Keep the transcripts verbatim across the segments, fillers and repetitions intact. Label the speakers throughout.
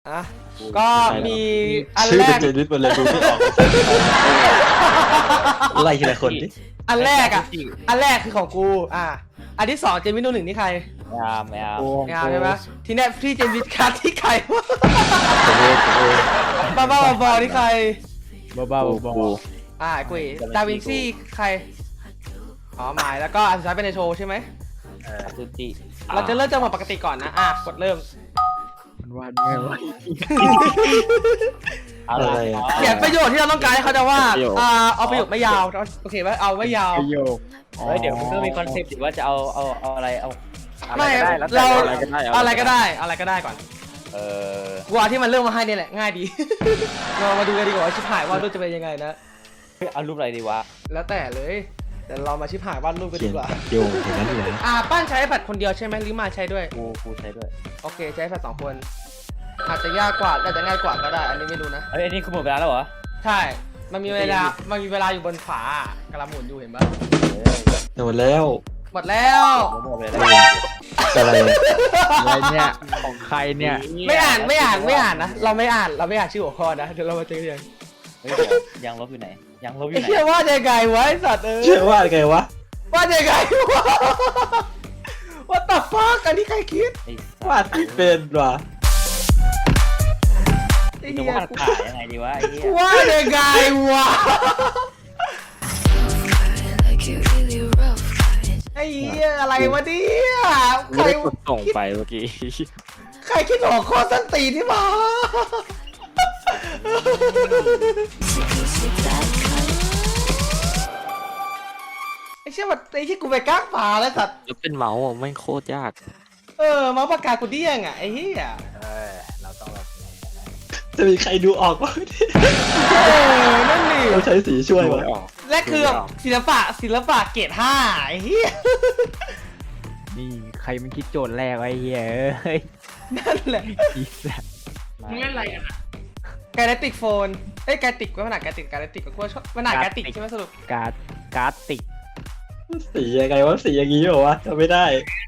Speaker 1: อ่ะก็มีอัน
Speaker 2: ชื่อ
Speaker 1: แร
Speaker 2: เป็น
Speaker 1: ก
Speaker 2: เจนิสมันเลยดูไม่ออกไล่ทีละคนดิ
Speaker 1: อันแรกอ่ะอันแรกคือของกูอ่ะอันที่สองเจมิโนหนึ่งนี่ใคร
Speaker 3: ไม่เอาไม่เอา
Speaker 1: ไม่เอาใช่ไหมทีเนี้ยพี่เจมิสคัทที่ใครวะ
Speaker 2: ผมเองผมเอง
Speaker 1: บ้าบ้าบอที่ใคร
Speaker 4: บ้าบ้าบอ
Speaker 1: อ่ะกุยดาวินซี่ใครอ๋อหมายแล้วก็อันสุดท้ายเป็นในโชว์ใช่ไหม
Speaker 3: สุจิ
Speaker 1: เราจะเริ่มจังหวะปกติก่อนนะอ่ะกดเริ่ม
Speaker 4: มันวันไงวะ
Speaker 2: อะไรอะ
Speaker 1: เขียนประโยชน์ที่เราต้องการให้เขาจะว่าอ่าเอาประโยคไม่ยาวโอเคไหมเอาไม่ยาว
Speaker 4: ประโยค
Speaker 3: เฮ้ยเดี๋ยวมันก็มีคอนเซ็ปต์สิว่าจะเอาเอาเอาอะไรเอา
Speaker 1: ไม่
Speaker 3: อะไรก็ได้
Speaker 1: เรา
Speaker 3: แล้วแต่
Speaker 1: อะไรก็ได้อะไรก็ได้ก่อน
Speaker 3: เออ
Speaker 1: กูเอาที่มันเริ่มมาให้เนี่ยแหละง่ายดี เรามาดูกันดีกว่าว่าชิบหายวาดรูปจะเป็นยังไงนะ
Speaker 3: เฮ้ยเอารูปอะไรดีวะ
Speaker 1: แล้วแต่เลยแต่เรามาชิบหายวาดรูปกัน
Speaker 2: เขี
Speaker 1: ดี
Speaker 2: ยน
Speaker 1: กว่า
Speaker 2: โยงอย่างนั้นเลย
Speaker 1: อ่าป้านใช้แพดคนเดียวใช่ไหมหรือมาใช้ด้วย
Speaker 3: กูกูใช้ด้วย
Speaker 1: โอเคใช้แพดสองคนอาจจะยากกว่าอาจจะง่ายกว่าก็ได้ อันนี้ไม่รู้นะ
Speaker 3: เฮ้ยอันนี้คือหมดเวลาแล้วเหรอ
Speaker 1: ใช่ มันมีเวลามันมีเวลาอยู่บนฝากระหมุนอยู่เห็นปะ
Speaker 3: เฮ้ย
Speaker 2: หมดแล้ว
Speaker 1: หมดแล้ว
Speaker 3: หมดเวลา
Speaker 2: อะไรอะ
Speaker 4: อะไรเนี่ยของใครเนี่ย
Speaker 1: ไม่อ่านไม่อ่านไม่อ่านนะเราไม่อ่านเราไม่อ่านชื่อหัวข้อนะเดี๋ยวเรามาเจอกัน
Speaker 3: เฮ้ยเดี๋ยวยังลบอยู่ไหนยังลบอ
Speaker 1: ไอ้
Speaker 3: ยู่ไหน
Speaker 1: เชี่ยว่าจะไงวะไอ้สัตว์เออ
Speaker 2: เชื่อว่าไงวะ
Speaker 1: ว่าจะไงวะ What the fuck อันนี้ใครคิด
Speaker 3: ไอ้
Speaker 2: วาดที่เป็นวะ
Speaker 1: ไอ้
Speaker 3: จะ
Speaker 1: เหี้ยว
Speaker 3: าดขายยังไงดีวะไอ้เหี้ย
Speaker 1: ว่าจะไงวะ
Speaker 5: Like you really rough.
Speaker 1: ไอ้เหี้ยอะไรวะเนี่ยใคร
Speaker 4: ส่งไปเมื่อกี้
Speaker 1: ใครคิดหัวข้อสั้นตีนที่มา
Speaker 5: Sicky, sick that cut.
Speaker 1: ไอ้เชี่ยมันไอ้ที่กูไปก้างปลาแล้วสัตว์
Speaker 4: แล้วเป็นเมาส์อ่ะไม่งโคตรยาก
Speaker 1: เออมาปากกากูเดี้ยงอ่ะไอ้เหี้ย
Speaker 3: เออเราต้องแบบ
Speaker 2: จะมีใครดูออกวะ
Speaker 1: เออนั่นดิ
Speaker 2: เราใช้สีช่วยวะ
Speaker 1: และคือแบบศิลปะศิลปะเกรดห้าไอ้เหี้ย
Speaker 4: นี่ใครมันคิดโจทย์แรกไว้เหี้ยเอ้ย
Speaker 1: นั่นแหละ
Speaker 4: อีสัตว์
Speaker 1: มึงเล่นอะไรกันอะไกลติกโฟนเอ้ยไกลติกก็มันหนาไกลติกไกลติกก็ชอบมันหนาไกลติกใช่ไหมสรุป
Speaker 4: การ์ดการ์ดติก
Speaker 2: สียังไงวะสีอย่างงี้เหรอวะจำไม่ได้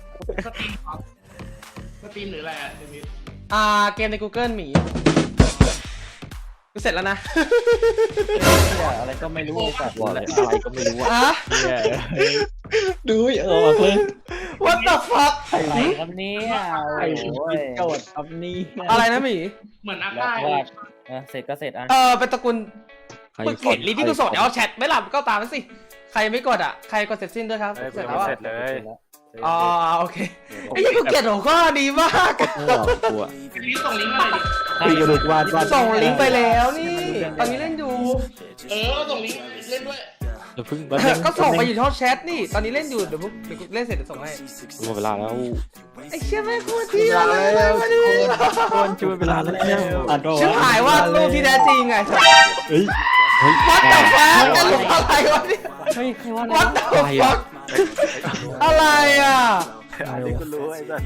Speaker 6: สตรีมหรืออะไรอ่ะเดวิด
Speaker 1: อ่าเกมใน Google หมีกูเสร็จแล้วนะ
Speaker 3: เหี้ยอะไรก็ไม่รู้ไอ้สัตว์
Speaker 4: บอกเลยอะไรก็ไม่รู้อ่ะ
Speaker 1: อ่ะ
Speaker 4: เหี้ยเอ้ย
Speaker 2: ดูไม่ออกเลย
Speaker 1: What the fuck
Speaker 3: อะไรครับเนี่ยโอ้
Speaker 4: ไอ้
Speaker 3: ย
Speaker 4: คิดโจทย์ครับนี่
Speaker 1: อะไรนะหมี
Speaker 6: เหมือนอา
Speaker 3: แล้ว
Speaker 6: ก้า
Speaker 3: ว่าเออเสร็จก็เสร็จอ่ะ
Speaker 1: เออเป็นตระกูลมึงเห็นลิงก์ที่กูส่งเดี๋ยวเอาแชทไม่หลับก็ตามมาสิ ใครไม่กดอ่ะ ใครกดเสร็จสิ้นด้วยครับ เสร็จแล้วอ่ะ
Speaker 3: เลย
Speaker 1: อ๋อโอเคไอ้ยี่กูเกลียดหัวข้อดีมาก
Speaker 4: ไม่หรอกกูอ่ะ
Speaker 6: พี่ส่งลิงก์มาเลยดิ
Speaker 2: คุยกันดูวาดวาด
Speaker 1: ส่งลิงก์ไปแล้วนี่ ตอนนี้เล่นอยู่
Speaker 6: เออส่งลิงก์เล่นด้วย
Speaker 4: เดี๋ยวเพิ่ง
Speaker 1: ก็ส่งไปอยู่ช่องแชทนี่ ตอนนี้เล่นอยู่เดี๋ยวพวกเดี๋ยวกูเล่นเสร็จเดี๋ยวส่งให้
Speaker 4: หมดเวลาแล้ว
Speaker 1: ไอ้เชี่ยแม่งโคตรเที่ยอะไรวะเนี่ย
Speaker 4: คนช่วยเวลาแล้ว
Speaker 2: อ่านตัว
Speaker 1: ชื่อ
Speaker 2: วะ
Speaker 1: หายว่ารูปที่แท้จริงไง
Speaker 2: เฮ้ย
Speaker 1: วัดแต่ฟ้ากันรูปอะไรวะเนี่ย
Speaker 3: เฮ้ยใครว่า
Speaker 1: วัดแต่ฟ้าอะไรอ่ะ
Speaker 3: กูรู้ไอ้สัตว์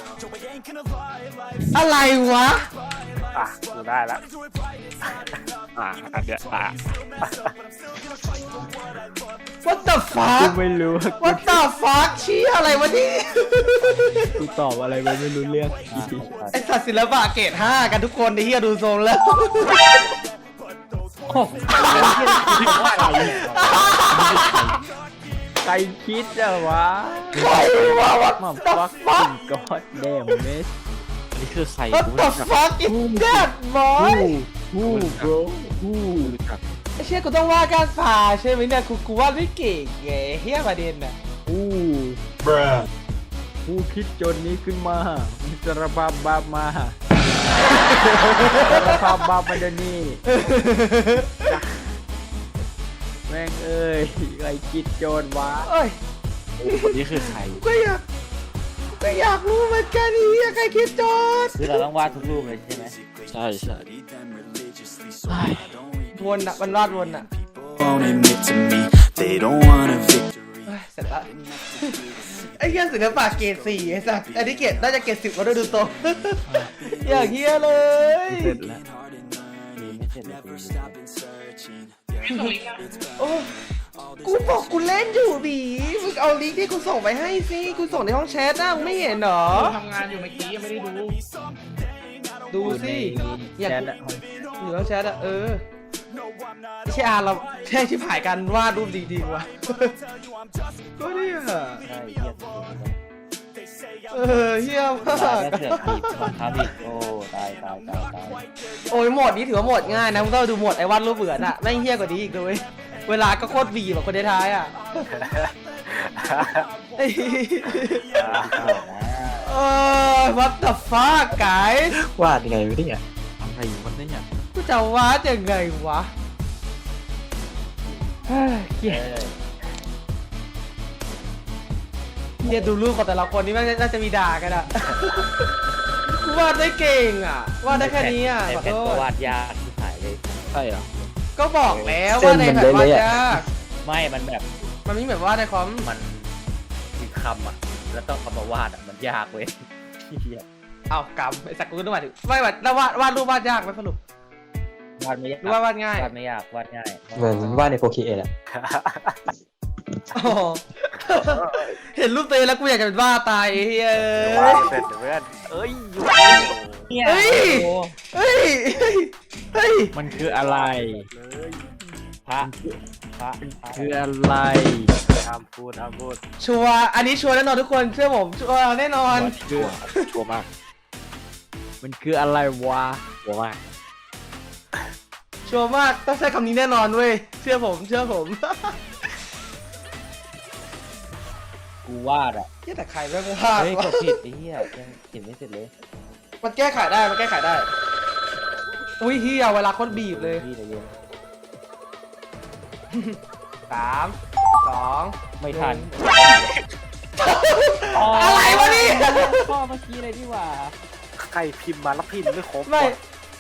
Speaker 1: อะไรวะ
Speaker 3: อ่ะกูได้ละ
Speaker 4: อ่ะอันเนี้ยอ่ะ
Speaker 1: What the
Speaker 4: กู
Speaker 1: fuck
Speaker 4: ไม่รู้ว่า
Speaker 1: What the fuck ชี้อะไรวะนี่
Speaker 4: กูตอบอะไรไปไม่รู้เรื่อง
Speaker 1: ไอสัตว์ศิลปะเกรดห้ากันทุกคนในที่ดูทรงแล้ว
Speaker 4: ใครคิดอะวะ
Speaker 1: ใครวะ What
Speaker 4: มา
Speaker 1: the
Speaker 4: ฟัก
Speaker 1: fuck
Speaker 4: ก็อดแดมเมสนี่คือใคร
Speaker 1: What the fuck is that boy
Speaker 4: ฮู้ bro ฮู้
Speaker 1: ไอเชี่ยกูต้องว่าการผ่าใช่ไหมเนี่ยกูกูว่าไม่เก่งไงเฮียประเด็นน่ะ
Speaker 4: ฮู้
Speaker 2: บรา
Speaker 4: ฮู้คิดโจทย์นี้ขึ้นมามิสรภาพบาปมาสารภาพบาปมาเดี๋ยวนี้แม่งเอ้ยใครคิดโจทย์วะ
Speaker 1: เอ้ย
Speaker 4: นี่คือใคร
Speaker 1: ก็อยากก็อยากรู้เหมือนกันเฮียใครคิดโจทย์
Speaker 3: คือเราต้องวาดทุกรูปเลยใช่ไหม
Speaker 4: ใช่ใช่
Speaker 1: วนอ่ะมันวาดวนอ่ะ
Speaker 7: won't admit to me they don't want a victory.
Speaker 1: เฮ้ยเสร็จละไอ้เฮียศิลปะเกรดสี่ไอ้สัสอันนี้เกรดน่าจะเกรดสิบก็ได้ดูโตรงอย่างเฮียเลย
Speaker 4: เสร็จแล้ว
Speaker 3: ไม่เสร็จเลย
Speaker 6: พี่ส่งลิงก์อ่ะ
Speaker 1: โอ้กูบอกกูเล่นอยู่บีมึงเอาลิงก์ที่กูส่งไปให้สิกูส่งในห้องแชทนะมึงไม่เห็นเหรอ
Speaker 6: ทำงานอยู่เมื่อกี้ยังไม่ได้ดู
Speaker 1: ดูสิ
Speaker 4: อยากแชทอะ
Speaker 1: อยู่แล้วแชทอะเออไม่ใช่อาร์เราแค่ชิบหายกันวาดรูปดีๆว่ะก็เนี่ย
Speaker 3: ใช่เหี้ยสุดเลย
Speaker 1: เออเฮี้ยมาก
Speaker 3: แล้วเสือกบีบบังคับอีกโอ้ตายตายตายตาย
Speaker 1: โอ้ยโหมดนี้ถือว่าโหมดง่ายนะมึงต้องดูโหมดไอ้วาดรูปเบื่อน่ะแม่งเฮี้ยกว่านี้อีกเลยเวลาก็โคตรบีบแบบคนท้ายๆอ่ะไอ้เออ what the fuck guys
Speaker 2: วาดยังไงวะเนี่ย
Speaker 4: อะไรอยู่วันนี้เนี่ย
Speaker 1: กูจะวาดยังไงวะเฮ้ยเกลียดเนี่ยดูรูปของแต่ละคนนี่แม่งน่าจะมีด่ากันอะวาดได้เก่งอ่ะวาดได้แค่นี้อ่ะ
Speaker 3: ไอ้
Speaker 1: ขอ
Speaker 3: แผ่น
Speaker 1: โท
Speaker 3: ก็
Speaker 1: ษ
Speaker 3: วาดยากที่หายเลย
Speaker 4: ใช่เหรอ
Speaker 1: ก็บอกแล้วว่าในแผ่นวาดยาก
Speaker 3: ไม่มันแบบ
Speaker 1: มันไม่เหมือนวาดในคอม
Speaker 3: มันมีคำอ่ะแล้วต้องคำมาวาดอ่ะมันยากเว้ยเหี้ย
Speaker 1: เอากำไอ้สักกูนึกว่าถึงไม่แบบแล้ววาดวาดรูปวาดยากไหมสรุป
Speaker 3: วาดไม่ยาก
Speaker 1: หรือว่าวาดง่าย
Speaker 3: วาดไม่ยากวาดง่าย
Speaker 2: เหมือนวาดในโปรคีเอทอะ
Speaker 1: อ๋อเห็นรูปตัวเองแล้วกูอยากจะเป็นบ้าตายไอ้เฮ้ย
Speaker 3: วาดเสร็จเพื่อนเอ้ยอยู่เนี่ย
Speaker 1: เฮ้ย
Speaker 3: โอ้
Speaker 1: เฮ้ยเฮ้ย
Speaker 4: มันคืออะไร
Speaker 3: เลยพระพระพระ
Speaker 4: คืออะไร
Speaker 3: ทำพูดทำพูด
Speaker 1: ชัวร์อันนี้ชัวร์แน่นอนทุกคนเชื่อผมชัวร์แน่นอน
Speaker 2: ชัวร์ชัวร์มาก
Speaker 4: มันคืออะไรวะ
Speaker 2: ชัวร์มาก
Speaker 1: ชัวร์มากต้องใช้คำนี้แน่นอนเว้ยเชื่อผมเชื่อผม
Speaker 3: กูวาดอ่ะ
Speaker 1: เฮียแต่ใครแม่งวาด
Speaker 3: เฮ้ยก
Speaker 1: วะ
Speaker 3: ดผิดไอ้เหี้ยยังเขียนไม่เสร็จเลย
Speaker 1: มันแก้ไขได้มันแก้ไขได้อุ้ยเฮียเวลาโคนบีบเลย
Speaker 3: พี่ใจเย็น
Speaker 1: สามสอง
Speaker 3: ไม่ทัน
Speaker 1: อะไรวะนี่
Speaker 3: ข้อเมื่อกี้เลยดีกว่าใครพิมพ์มาแล้วพิมพ์ไม่ครบ
Speaker 1: ไม่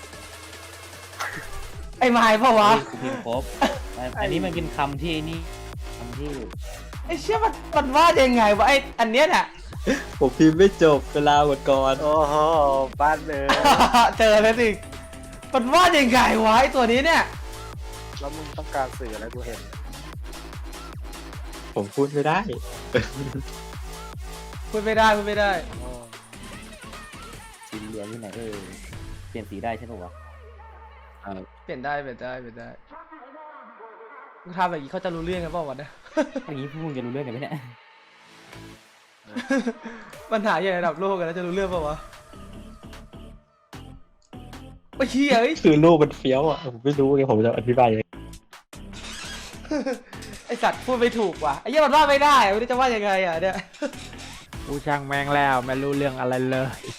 Speaker 1: ไอ้ไม้เปล่าวะ
Speaker 3: กูพิมพ์ครบอันนี้มันเป็นคำที่นี่คำที่
Speaker 1: ไอ้เชี่ยมันมันวาดยังไงวะไอ้อันเนี้ยน่ะ
Speaker 2: ผมพิมพ์ไม่จบเวลาหมดก่อน
Speaker 3: โอ้โหบ้านเลย
Speaker 1: เจอแล้วสิมันวาดยังไงวะไอ้ตัวนี้เนี่ย
Speaker 3: แล้วมึงต้องการสื่ออะไรกูเห็น
Speaker 2: ผมพูดไม่ได้
Speaker 1: พูดไม่ได้พูดไม่ได้
Speaker 3: สีเหลืองที่ไหนเออเปลี่ยนสีได้ใช่ไหมวะ
Speaker 1: เปลี่ยนได้เปลี่ยนได้เปลี่ยนได้มึงทำแบบนี้เขาจะรู้เรื่องกันเปล่าวะเนี่ย
Speaker 3: อย่างนี้พวกมึงจะรู้เรื่องกันไหมเนี่ย
Speaker 1: ปัญหาใหญ่ระดับโลกกันแล้วจะรู้เรื่องเปล่าวะไอ้เหี้ยเอ้ย
Speaker 2: คือรูปมันเฟี้ยวอ่ะผมไม่รู้ไงผมจะอธิบายยังไง
Speaker 1: ไอสัตว์พูดไม่ถูกว่ะไอ้เหี้ยมันวาดไม่ได้อะไม่รู้จะวาดยังไงอ่ะเนี่ย
Speaker 4: กูช่างแมงแล้วไม่รู้เรื่องอะไรเลย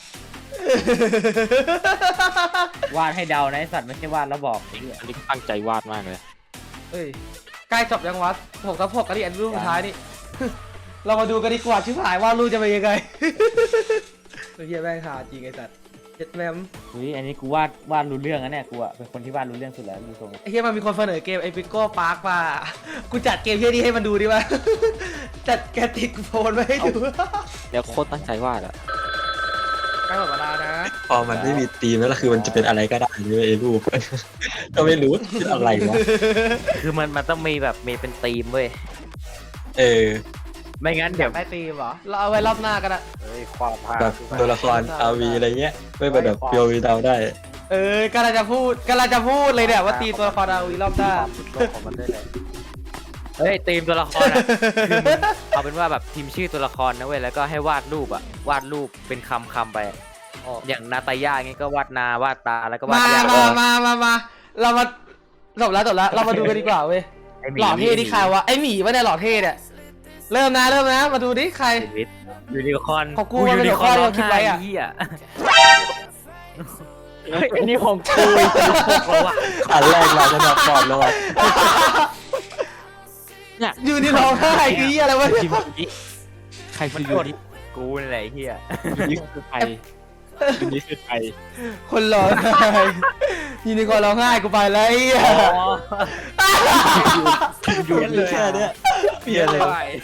Speaker 3: วาดให้เดานะไอสัตว์ไม่ใช่วาดแล้วบอกไอ้เหี้ย
Speaker 2: อันนี้ตั้งใจวาดมากเลย
Speaker 1: เอ้ยใกล้จบยังวะหกทับหกกันดิอันรูปสุดท้ายนี่ เรามาดูกันดีกว่าชิบหายว่ารูปจะเป็นยังไง ไอ้เหี้ยแม่งหาจริงไอ้สัตว์เจ็ดแมม
Speaker 3: เฮ้ยอันนี้กูวาดวาดรู้เรื่องนะเนี่ยกูอะเป็นคนที่วาดรู้เรื่องสุดแล้วมีทรง
Speaker 1: ไอ้เหี้ยมันมีคนเสนอเกมไอพิโก้พาร์คมา กูจัดเกมเหี้ยนี้ให้มันดูดิวะ จัดแกติกโฟนมาให้ดู
Speaker 2: เดี๋ยวโคตรตั้งใจวาดอ่ะ
Speaker 1: ใกล้หมดเวลานะ
Speaker 2: พอมันไม่มีธีมแล้วล่ะคือมันจะเป็นอะไรก็ได้เลยไอ้รูป ก็ไม่รู้เป็นอะไรวะ
Speaker 3: คือมันมันต้องมีแบบมีเป็นธีมเว้ย
Speaker 2: เออ
Speaker 3: ไม่งั้นเดี๋ยว
Speaker 1: ได้ตีมเหรอ เราเอาไว้รอบหน้ากันอะ
Speaker 3: เฮ้ยความพา
Speaker 2: แบบตัวละครอาวีอะไรเงี้ยไม่เป็นแบบเพียววีเดาได้
Speaker 1: เออกำลังจะพูดกำลังจะพูดเลยเนี่ยว่าตีตัวละครเอาอีกรอบหน้า
Speaker 3: ความสุดโลกของมันได้เลยเฮ้ยธีมตัวละครอะคือมึงเอาเป็นว่าแบบพิมพ์ชื่อตัวละครนะเว้ยแล้วก็ให้วาดรูปอะวาดรูปเป็นคำคำไปอย่างนาตาย่างี้ก็วาดนาวาดตาแล้วก็วาด
Speaker 1: มา
Speaker 3: ย่า
Speaker 1: มามามามาเรามาจบแล้วจบแล้วเรามาดูกันดีกว่าเว้ย
Speaker 3: ไอ้มี
Speaker 1: หล่อเท่นี่ใครวะไอหมีวะเนี่ยหล่อเท่เนี่ยเริ่มนะเริ่มนะมาดูดิใคร
Speaker 3: ชีวิตยูนิคอร์น
Speaker 1: ของกูมันเป็นหัวข้อที่เราคิดไว้อะ
Speaker 3: เหี้ย
Speaker 4: เฮ้ยอันนี้ของกู
Speaker 2: อันแรกมาจะแบบก่อนแล้วอะ
Speaker 1: อยู่นี่ร้องไห้คือเหี้ยอะไรวะเนี่ย
Speaker 2: ใคร
Speaker 3: มัน
Speaker 2: คือ
Speaker 3: โด
Speaker 2: ยู
Speaker 3: น
Speaker 2: นิ
Speaker 3: กูนี่แหละไอ้เหี้ย
Speaker 2: ยูนิคือใครยูนิคือใคร
Speaker 1: คนร้องไห้ยูนิคอร์นร้องไห้กูไปแล้วไอ้เหี้ย
Speaker 2: ยูนิแค่เนี้ยเปลี่ยนเลย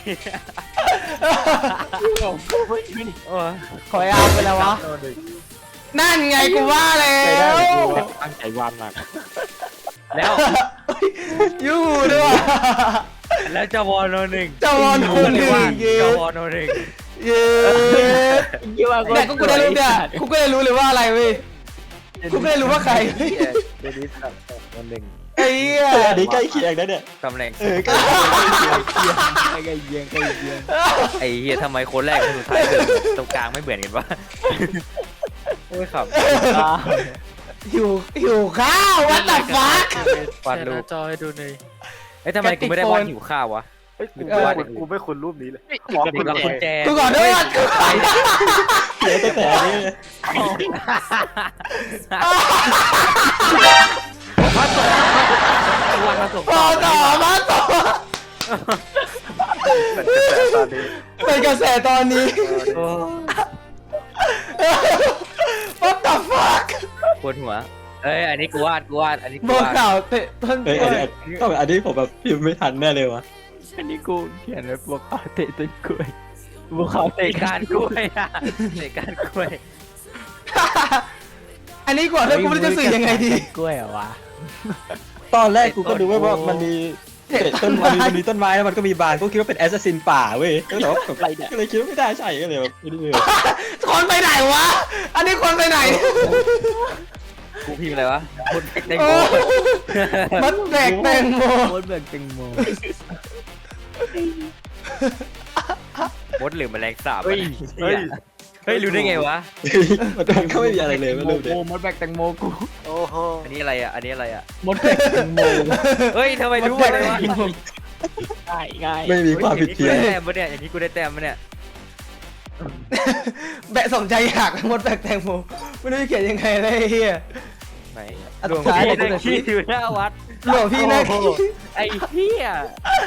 Speaker 3: โอ้ย
Speaker 1: ขอไอ้อาร์มไปแล้ววะนั่นไงกูว่าแล้ว
Speaker 2: ตั้งใจวาดมาก
Speaker 3: แล้ว
Speaker 1: ยูด้วยว่ะ
Speaker 3: แล้วจวโนหนึ่ง
Speaker 1: จวโนหนึ่งเย้
Speaker 3: จวโนหนึ่ง
Speaker 1: เย้เนี่ยกูก็ได้รู้เนี่ยกูก็ได้รู้เลยว่าอะไรเว้ยกูไม่ได้รู้ว่าใคร
Speaker 3: เดนิสกับคนหนึ่ง
Speaker 1: ไอ้เหี้ย
Speaker 2: เอออันนี้ใกล้เคียงนะเนี่ย
Speaker 3: ตำแหน่ง
Speaker 2: เออใกล้เคียงใกล้เคียง
Speaker 4: ใกล้เคียงใกล้เคียง
Speaker 3: ไอ้เฮียทำไมคนแรกกับคนสุดท้ายเหมือนตรงกลางไม่เหมือนกันวะโอ้ยขับ
Speaker 1: หิวหิวข้าววัดตับฟัก
Speaker 3: วาดรูป
Speaker 8: จอให้ดูหน่อย
Speaker 3: เอ้ยทำไมกูไม่ได้วาดหิวข้าววะ
Speaker 4: เฮ้ยกู
Speaker 3: เออ
Speaker 4: ไม่คุณกูไม่คุณรูปนี้เลย
Speaker 3: เด็กละคนแจ
Speaker 1: กูขอโทษกูขอโทษ
Speaker 2: เสียตั้งแต่นี้
Speaker 3: วันมาส่ง
Speaker 1: ต่อต่อมาต่อ
Speaker 4: เป็นกระแสตอนนี้
Speaker 1: เป็นกระแสตอนนี้
Speaker 3: โอ้
Speaker 1: What the fuck
Speaker 3: ปวดหัวเอ้ยอันนี้กูวาดกูวาดอันนี้กู
Speaker 1: บอก
Speaker 3: วาด
Speaker 1: ข่าวเตะต้น
Speaker 2: เฮ้ยอันนี้ก็แบบอันนี้ผมแบบพิมพ์ไม่ทันแน่เลยวะ
Speaker 4: อันนี้กูเขียนไว้บัวขาวเตะต้นกล้วยบัวขาวเตะ
Speaker 3: เตะการกล้วยอะเตะการกล้วย
Speaker 1: อันนี้ก่อนแล้วกูไม่รู้จะสื่อยังไงดี
Speaker 4: กล้วยเหรอวะ
Speaker 2: ตอนแรกกูก็ดูว่าว่ามันมีเตะต้นไม้มันมีต้นไม้แล้วมันก็มีบานก็คิดว่าเป็นแอสซัสซินป่าเว้ยก็แต่ว่าแบบก็เลยคิดว่าไม่ได้ใช่ก็เลยแบบไม่ได้เลย
Speaker 1: คนไปไหนวะ อันนี้คนไปไหน
Speaker 3: กูพิมพ์อะไรวะคนเด็ก
Speaker 1: โอ้มันแบกแตงโม
Speaker 4: โคตรแบบแตงโม
Speaker 3: มดหรือแมลงสาบ
Speaker 4: เฮ้ยเฮ้ย
Speaker 3: เฮ้ยรู้ได้ไงวะ
Speaker 2: มันก็ไม่มีอะไรเลยไม่รู้เลย
Speaker 4: โอ้มดแบกแตงโมกู
Speaker 8: โอ้โห
Speaker 3: อันนี้อะไรอ่ะอันนี้อะไรอ่ะ
Speaker 4: มดแบกแตงโม
Speaker 3: เฮ้ยทำไมรู้
Speaker 1: มด
Speaker 3: เล
Speaker 1: แบ
Speaker 3: ย
Speaker 1: ก
Speaker 3: วะ
Speaker 1: แตงโม
Speaker 4: ง่ายง่าย
Speaker 2: ไม่มีความผิด
Speaker 3: กู
Speaker 2: เพี้ยน
Speaker 3: ได้แต้มปะเนี่ยอย่างนี้กูได้แต้มปะเนี่ย
Speaker 1: แบะสนใจอยากหมดแบกแตงโมไม่รู้จะเขียนยังไงเลยไอ้เฮีย
Speaker 3: ไหน
Speaker 1: อัน
Speaker 3: หลวง
Speaker 1: สุดท้าย
Speaker 3: พี่
Speaker 1: ผม
Speaker 3: นั่ง
Speaker 1: จะ
Speaker 3: ขี้อยู่หน้าวัด
Speaker 1: หลวงพี่นะ
Speaker 3: ไอ้เหี้ย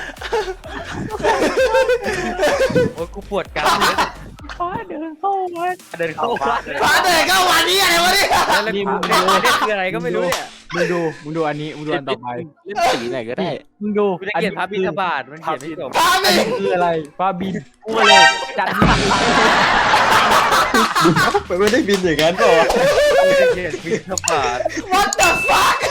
Speaker 3: โอ้ยกูปวดกรามเลย
Speaker 4: เดินเข้าวัด
Speaker 3: เดินเข้าวัด
Speaker 1: ฟ้าเตะเข้าวันนี้อะไรวะเนี่ย
Speaker 3: แล้วกูเนี่ยอันนี้คืออะไรก็ไม่รู้เนี่ย
Speaker 4: มึงดูมึงดูอันนี้มึงดูอันต่อไป
Speaker 8: เล่นสีไหนก็ได้
Speaker 4: มึงดู
Speaker 3: กูจะเขียนพระบิณฑบาตมันเขียนไม่จบ
Speaker 1: ฟ้าไม่
Speaker 4: อันนี้คืออะไรฟ้าบินกูเลยจัด
Speaker 2: มันไม่ได้บินอย่างนั้นหรอ
Speaker 3: กูจะเขียนบิณฑบาต
Speaker 1: What the fuck